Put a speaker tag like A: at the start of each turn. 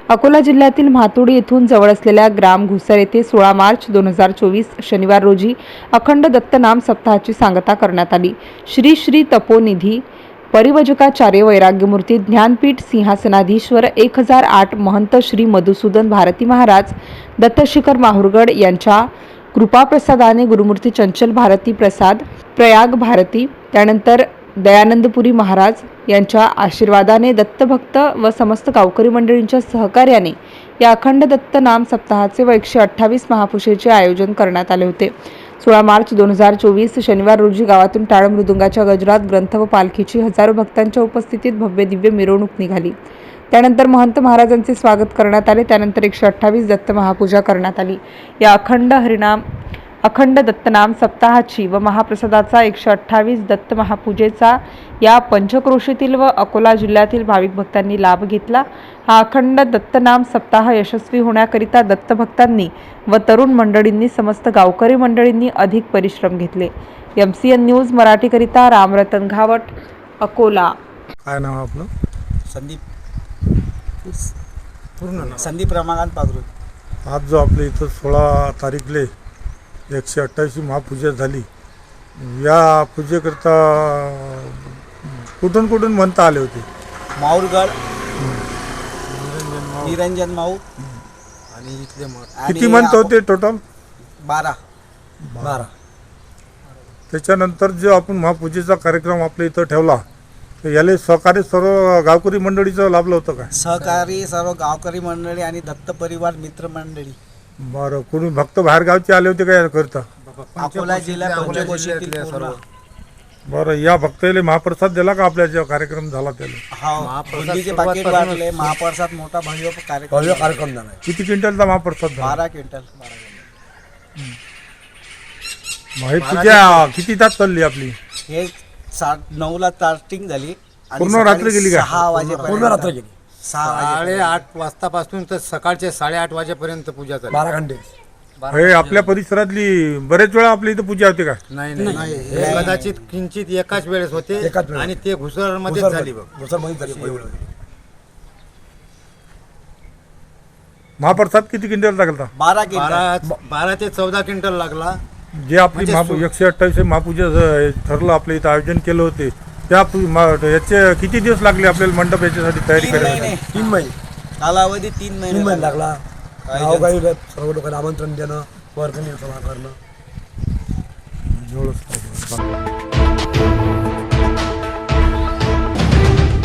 A: अकोला जिल्ह्यातील म्हातुडी येथून जवळ असलेल्या ग्राम घुसर येथे 16 मार्च 2024 शनिवार रोजी अखंड दत्तनाम सप्ताहाची सांगता करण्यात आली। श्री श्री तपोनिधी परिवजकाचार्य वैराग्यमूर्ती ज्ञानपीठ सिंहासनाधीश्वर 1008 महंत श्री मधुसूदन भारती महाराज दत्तशिखर माहुरगड यांच्या कृपाप्रसादाने गुरुमूर्ती चंचल भारती प्रसाद प्रयाग भारती त्यानंतर दयानंदपुरी महाराज यांच्या आशीर्वादाने दत्तभक्त व समस्त गावकरी मंडळींच्या सहकार्याने या अखंड दत्त नाम सप्ताहाचे व 128 महापूजेचे आयोजन करण्यात आले होते। 16 मार्च 2024 शनिवार रोजी गावातून टाळ मृदुंगाच्या गजरात ग्रंथ व पालखीची हजारो भक्तांच्या उपस्थितीत भव्य दिव्य मिरवणूक निघाली। त्यानंतर महंत महाराजांचे स्वागत करण्यात आले। त्यानंतर 128 दत्त महापूजा करण्यात आली। या अखंड दत्तनाम सप्ताहाची व महाप्रसादाचा 128 दत्त महापूजेचा या पंचक्रोशीतील व अकोला जिल्ह्यातील भाविक भक्तांनी लाभ घेतला। हा अखंड दत्तनाम सप्ताह यशस्वी होण्याकरिता दत्तभक्तांनी व तरुण मंडळींनी समस्त गावकरी मंडळींनी अधिक परिश्रम घेतले। MCN न्यूज मराठीकरिता रामरतन घावट, अकोला।
B: काय नाव आपलं?
C: संदीप रमाकांत पागरू।
B: आज जो आपल्या इथं 16 तारीखले 128 महापूजा झाली, या पूजेकरता कुठून कुठून म्हणता आले होते?
C: माहुरगड, निरंजन माऊ
B: आणि इथले किती म्हणत होते टोटल?
C: 12।
B: त्याच्यानंतर जो आपण महापूजेचा कार्यक्रम आपल्या इथं ठेवला, तर याला सहकारी सर्व गावकरी मंडळीचं लाभलं होतं का?
C: सहकारी सर्व गावकरी मंडळी आणि दत्त परिवार मित्र मंडळी।
B: बरं, कोणी भक्त बाहेर गावचे आले होते का याकरता?
C: अकोला जिल्हा पंचक्रोशीतील सर्व।
B: बरं, या भक्ताला महाप्रसाद दिला का आपल्या जो कार्यक्रम झाला त्याला?
C: हा, बुंदीचे पाकिट वाटले, महाप्रसाद मोठा भव्य कार्यक्रम झाला।
B: किती क्विंटलचा महाप्रसाद झाला?
C: 12 क्विंटल।
B: ही पूजा किती तास चालली आपली?
C: हे 9ला स्टार्टिंग झाली आणि
B: पूर्ण रात्र गेली का?
C: 6 वाजेपर्यंत पूर्ण रात्र गेली।
D: 8:30 वाजतापासून तर सकाळचे 8:30 वाजेपर्यंत पूजा झाली।
C: 12 घंटे।
B: हे आपल्या परिसरातली बरेच वेळा आपल्या इथं पूजा होते का?
D: नाही, हे कदाचित किंचित एकाच वेळेस होते आणि ते घुसरमध्ये झाली बघ।
B: महाप्रसाद किती क्विंटल लागला?
C: 12
D: ते 14 क्विंटल लागला।
B: जे आपली 128 महापूजा ठरलं आपल्या इथं आयोजन केलं होते, त्या याचे किती दिवस लागले आपल्याला मंडप याच्यासाठी तयारी करायला?
C: 3 महिने कालावधी। 3 महिने
E: लागला। गावगावी सर्व लोकांना आमंत्रण देणं, वर्गणी जमा करणं।